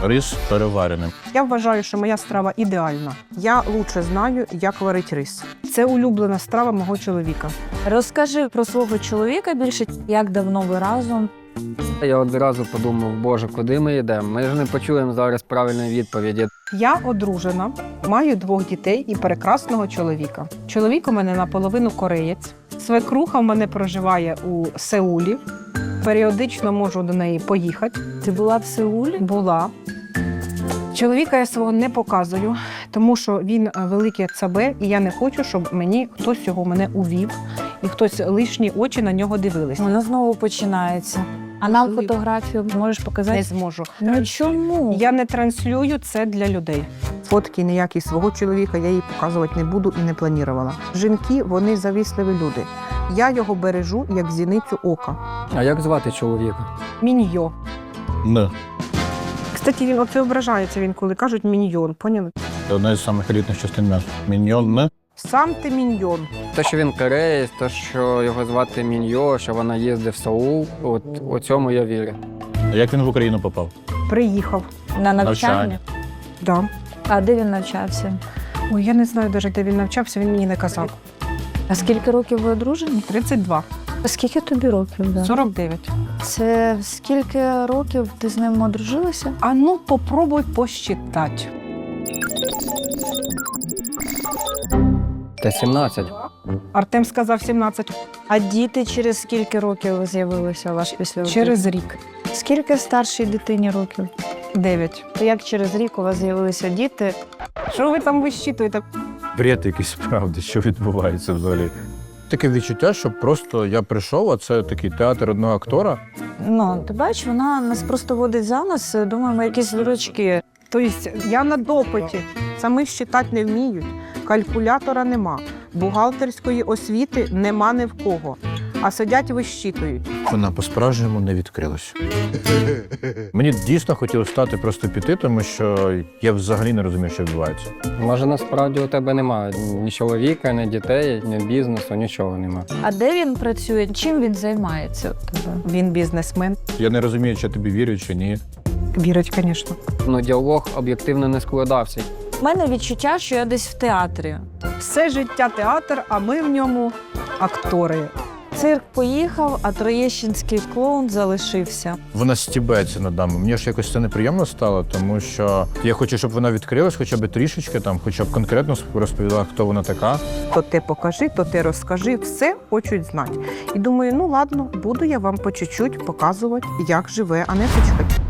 Рис перевареним. Я вважаю, що моя страва ідеальна. Я лучше знаю, як варить рис. Це улюблена страва мого чоловіка. Розкажи про свого чоловіка більше, як давно ви разом. Я одразу подумав, боже, куди ми йдемо? Ми ж не почуємо зараз правильної відповіді. Я одружена, маю 2 дітей і прекрасного чоловіка. Чоловік у мене наполовину кореєць. Свекруха в мене проживає у Сеулі. Періодично можу до неї поїхати. Ти була в Сеулі? Була. Чоловіка я свого не показую, тому що він великий цабе, і я не хочу, щоб мені хтось його мене увів, і хтось лишні очі на нього дивились. Воно знову починається. А нам Можливо. фотографію можеш показати? Не зможу. Ну чому? Я не транслюю це для людей. Фотки ніякі свого чоловіка я їй показувати не буду і не планувала. Жінки, вони завісливі люди. Я його бережу, як зіницю ока. А як звати чоловіка? Міньйо. Не. Кстати, він оце ображається, він коли кажуть міньйон, поняли? Це одна із самих елітних частин м'яса. Міньйон не. Сам ти міньйон. Те, що він кореєць, те, що його звати Міньо, що вона їздить в Сеул, от у цьому я вірю. А як він в Україну попав? Приїхав. На навчання? Да. А де він навчався? Ой, я не знаю навіть, де він навчався, він мені не казав. А скільки років ви одружені? 32. Скільки тобі років? Да? 49. Це скільки років ти з ним одружилася? А ну, попробуй посчитати. Та 17. Артем сказав 17. А діти через скільки років з'явилися у вас після Через рік. Скільки старшій дитині років? 9. То як через рік у вас з'явилися діти? Що ви там вищитуєте? Бред якийсь, правда, що відбувається взагалі. Таке відчуття, що просто я прийшов, а це такий театр одного актора. Ну, ти бачиш, вона нас просто водить за нас, думаємо, якісь дурачки. Тобто я на допиті. Самі считати не вміють. Калькулятора нема. Бухгалтерської освіти нема ні в кого. А сидять вищитують. Вона по-справжньому не відкрилась. Мені дійсно хотілося стати просто піти, тому що я взагалі не розумію, що відбувається. Може, насправді у тебе немає ні чоловіка, ні дітей, ні бізнесу, нічого немає. А де він працює? Чим він займається у тебе? Він бізнесмен. Я не розумію, чи я тобі вірю, чи ні. Вірить, звісно. Ну, діалог об'єктивно не складався. У мене відчуття, що я десь в театрі. Все життя театр, а ми в ньому актори. Цирк поїхав, а троєщинський клоун залишився. Вона стібається над нами. Мені ж якось це неприємно стало, тому що я хочу, щоб вона відкрилась хоча б трішечки, там, хоча б конкретно розповіла, хто вона така. То ти покажи, то ти розкажи, все хочуть знати. І думаю, ну ладно, буду я вам по чуть-чуть показувати, як живе Анеточка.